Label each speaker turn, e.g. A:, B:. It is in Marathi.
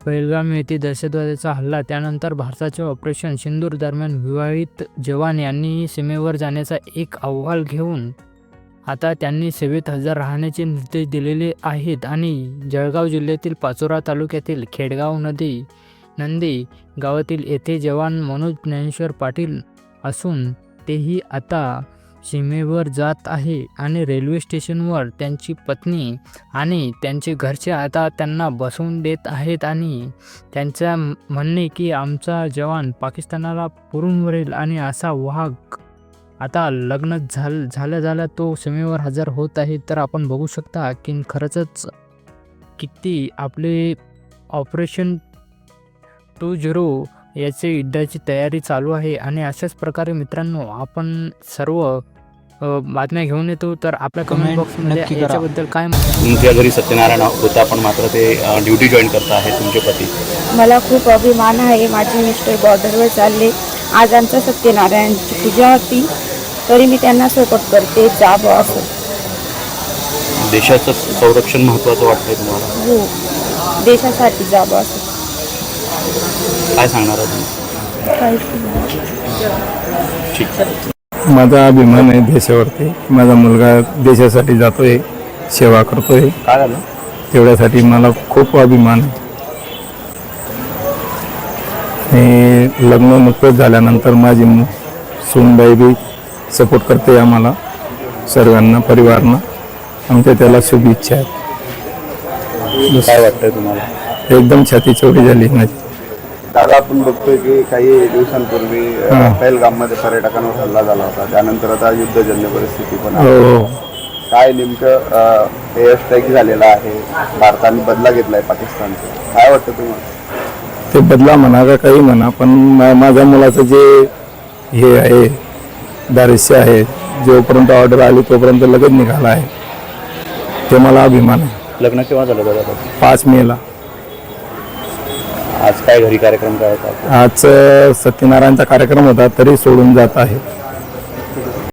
A: पहलगाम येथे दहशतवाद्याचा हल्ला त्यानंतर भारताच्या ऑपरेशन सिंदूर दरम्यान विवाहित जवान यांनी सीमेवर जाण्याचा एक अहवाल घेऊन आता त्यांनी सेवेत हजर राहण्याचे निर्देश दिलेले आहेत आणि जळगाव जिल्ह्यातील पाचोरा तालुक्यातील खेडगाव नंदी गावातील येथे जवान मनोज ज्ञानेश्वर पाटील असून तेही आता सीमेवर जात आहे आणि रेल्वे स्टेशनवर त्यांची पत्नी आणि त्यांचे घरचे आता त्यांना बसवून देत आहेत आणि त्यांचा म्हणणे की आमचा जवान पाकिस्तानाला पुरून वरेल आणि असा वाघ आता लग्न झाल्या तो सीमेवर हजर होत आहे. तर आपण बघू शकता की खरंच किती आपले ऑपरेशन 20 याचे युद्धाची तयारी चालू आहे आणि अशाच प्रकारे मित्रांनो आपण सर्व बातम्या घेऊन येतो. तर आपल्या कमेंट बॉक्समध्ये याच्याबद्दल काय
B: तुमच्या घरी सत्यनारायण होता पण मात्र ते ड्युटी जॉईन करत आहे तुमचे पती.
C: मला खूप अभिमान आहे. माझे मिस्टर बॉर्डरवर चालले. आज आमचा सत्यनारायणची पूजा होती तरी मी त्यांना सपोर्ट करते. जाब असो.
B: देशाचं संरक्षण महत्त्वाचं वाटतंय तुम्हाला?
C: हो, देशासाठी जाब असो.
B: काय सांगणार आहे तुम्ही? ठीक.
D: माझा अभिमान आहे देशावरती. माझा मुलगा देशासाठी जातोय, सेवा करतोय.
B: काय झालं?
D: तेवढ्यासाठी मला खूप अभिमान आहे. हे लग्न नुकतंच झाल्यानंतर माझी सूनबाई बी सपोर्ट करते आम्हाला सर्वांना, परिवारांना. आमच्या त्याला शुभेच्छा आहेत.
B: काय वाटतंय तुम्हाला?
D: एकदम छाती चौडी झाली माझी.
E: दादा, आपण बघतोय की काही दिवसांपूर्वी पहलगाममध्ये पर्यटकांवर हल्ला झाला होता. त्यानंतर आता युद्धजन्य परिस्थिती पण आहे.
D: हो,
E: काय नेमकं एअर स्ट्राईक झालेला आहे, भारताने बदला घेतलाय पाकिस्तानचा, काय वाटतं तुम्हाला?
D: ते बदला म्हणा का काही म्हणा, पण माझ्या मुलाचं जे हे आहे दारिश्य आहे, जोपर्यंत ऑर्डर आली तोपर्यंत लगेच निघाला आहे. ते मला अभिमान आहे.
B: लग्न केव्हा झालं दादा?
D: 5 मेला.
B: आज काय घरी कार्यक्रम काय होता?
D: आज सत्यनारायणचा कार्यक्रम होता तरी सोडून जात आहे.